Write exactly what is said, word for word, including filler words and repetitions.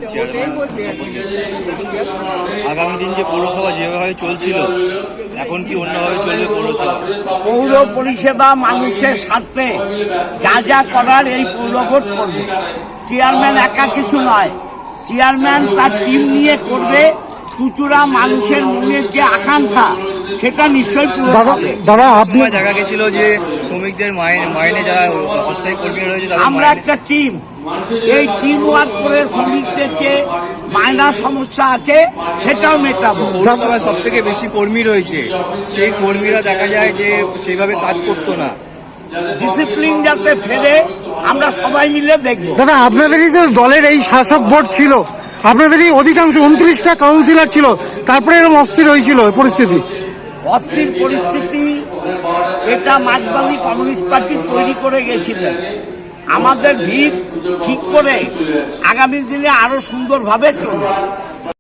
Chairman আগামী দিন যে পৌরসভা যেভাবে চলছিল এখন কি অন্যভাবে চলবে পৌরসভা? পৌর পরিষেবা মানুষের স্বার্থে যা যা করার এই পৌরভোট করবে। চেয়ারম্যান একা কিছু নয়, চেয়ারম্যান তার টিম নিয়ে করবে। চুচুড়া মানুষের মনের যে আকাঙ্ক্ষা সেটা নিশ্চয়ই পূরণ হবে। দাদা, আপনি দেখা গেছিল যে শ্রমিকদের মাইনে মাইনে যারা অস্থায়ী কর্মী রয়েছে আমরা একটা টিম, এই টিম ওয়ার্ক করে শ্রমিকদের যে মাইনার সমস্যা আছে সেটাও মেটাবো। পৌরসভায় সব থেকে বেশি কর্মী রয়েছে, সেই কর্মীরা দেখা যায় যে সেইভাবে কাজ করতো না। ডিসিপ্লিন যাতে ফেরে আমরা সবাই মিলে দেখবো। দাদা, আপনাদেরই তো দলের এই শাসক বোর্ড ছিল, আপনাদেরই অধিকাংশ উনত্রিশটা কাউন্সিলর ছিল, তারপরে এরকম অস্থির হয়েছিল পরিস্থিতি। অস্থির পরিস্থিতি এটা মার্কসবাদী কমিউনিস্ট পার্টি তৈরি করে গেছিলেন। আমাদের ভিত ঠিক করে আগামী দিনে আরো সুন্দরভাবে চলবে।